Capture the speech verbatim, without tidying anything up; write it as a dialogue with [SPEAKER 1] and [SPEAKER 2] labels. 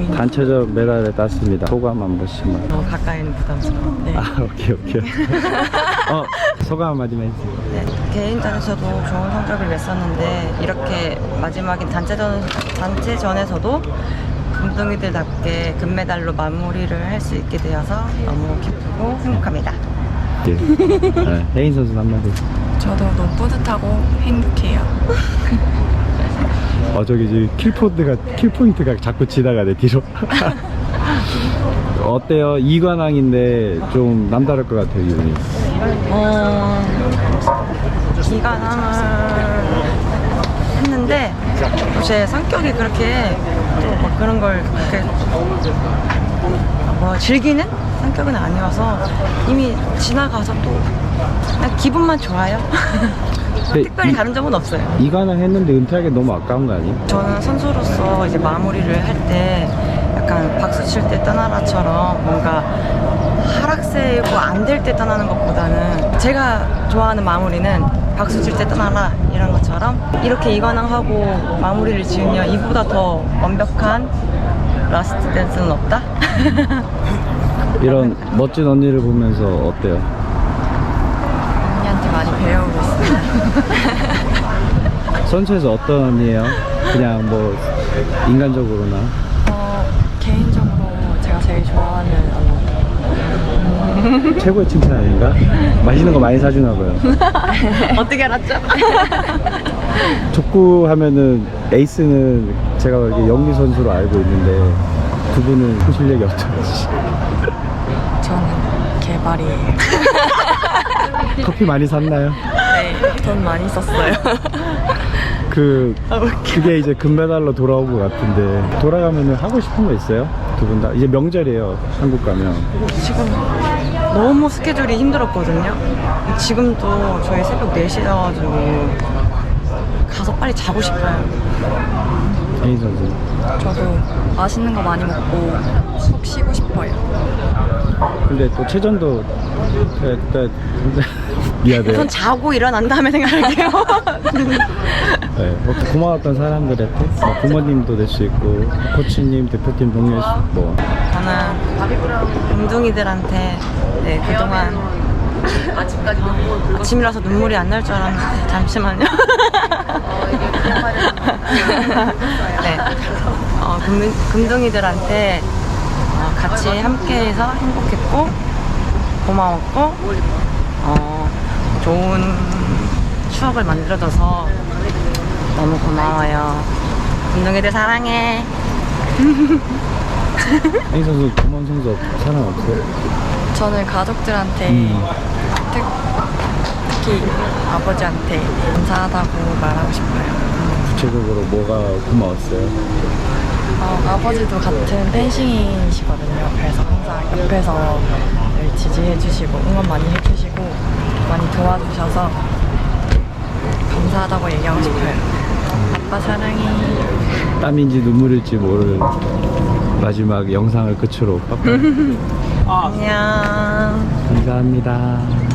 [SPEAKER 1] 단체전 메달을 땄습니다. 소감 한 번씩만.
[SPEAKER 2] 너무 가까이는 부담스러워. 네.
[SPEAKER 1] 아, 오케이 오케이. 어, 소감 한마디만 해주세요.
[SPEAKER 2] 네, 개인전에서도 좋은 성적을 냈었는데 이렇게 마지막인 단체전, 단체전에서서도 금둥이들답게 금메달로 마무리를 할 수 있게 되어서 너무 기쁘고 행복합니다.
[SPEAKER 1] 네. 네, 혜인 선수 한마디.
[SPEAKER 3] 저도 너무 뿌듯하고 행복해요.
[SPEAKER 1] 어, 저기 지금 킬포인트가 킬포인트가 자꾸 지나가네 뒤로. 어때요? 이관왕인데 좀 남다를 것 같아요, 기분이.
[SPEAKER 2] 어, 기관함을 했는데 제 성격이 그렇게 또 막 그런 걸 그렇게 뭐 즐기는 성격은 아니어서 이미 지나가서 또 그냥 기분만 좋아요. 특별히 다른 점은 없어요.
[SPEAKER 1] 이관왕 했는데 은퇴하기 너무 아까운 거 아니에요?
[SPEAKER 2] 저는 선수로서 이제 마무리를 할 때 약간 박수 칠 때 떠나라처럼 뭔가 하락세고 안 될 때 떠나는 것보다는 제가 좋아하는 마무리는 박수 칠 때 떠나라 이런 것처럼 이렇게 이관왕하고 마무리를 지으면 이보다 더 완벽한 라스트 댄스는 없다?
[SPEAKER 1] 이런 멋진 언니를 보면서 어때요?
[SPEAKER 3] 언니한테 많이 배우고 있어요.
[SPEAKER 1] 선수에서 어떤 언니예요? 그냥 뭐 인간적으로나.
[SPEAKER 3] 어, 개인적으로 제가 제일 좋아하는 언니.
[SPEAKER 1] 최고의 칭찬 아닌가? 맛있는 거 많이 사주나 봐요.
[SPEAKER 2] 어떻게 알았죠?
[SPEAKER 1] 족구 하면은 에이스는 제가 이렇게 영리 선수로 알고 있는데 두 분은 그 실력이 어떤지.
[SPEAKER 3] 저는 개발이에요.
[SPEAKER 1] 커피 많이 샀나요?
[SPEAKER 3] 네, 돈 많이 썼어요.
[SPEAKER 1] 그 그게 이제 금메달로 돌아온 것 같은데 돌아가면은 하고 싶은 거 있어요? 두 분 다 이제 명절이에요. 한국 가면.
[SPEAKER 2] 지금 너무 스케줄이 힘들었거든요. 지금도 저희 새벽 네 시여가지고 가서 빨리 자고 싶어요.
[SPEAKER 1] 혜인 선수.
[SPEAKER 3] 저도 맛있는 거 많이 먹고 푹 쉬고 싶어요.
[SPEAKER 1] 근데 또 체전도 일단 미안해요.
[SPEAKER 2] 우선 자고 일어난 다음에 생각할게요.
[SPEAKER 1] 네, 뭐 고마웠던 사람들한테 뭐 부모님도 될 수 있고 코치님, 대표팀 동료 뭐
[SPEAKER 2] 저는 금둥이들한테 네, 그동안 아직까지 어, 아침이라서 눈물이 안 날 줄 알았는데 잠시만요. 네, 어, 금, 금둥이들한테 어, 같이 함께해서 행복했고 고마웠고 어, 좋은 추억을 만들어줘서 너무 고마워요. 금둥이들 사랑해.
[SPEAKER 1] 혜인 선수 고마운 선수 사람 없어요?
[SPEAKER 3] 저는 가족들한테
[SPEAKER 1] 음.
[SPEAKER 3] 특, 특히 아버지한테 감사하다고 말하고 싶어요.
[SPEAKER 1] 구체적으로 뭐가 고마웠어요?
[SPEAKER 3] 어, 아버지도 같은 펜싱이시거든요. 그래서 항상 옆에서 늘 지지해주시고 응원 많이 해주시고 많이 도와주셔서 감사하다고 얘기하고 싶어요. 아빠 사랑해.
[SPEAKER 1] 땀인지 눈물일지 모를 마지막 영상을 끝으로 빠빠.
[SPEAKER 2] 안녕.
[SPEAKER 1] 감사합니다.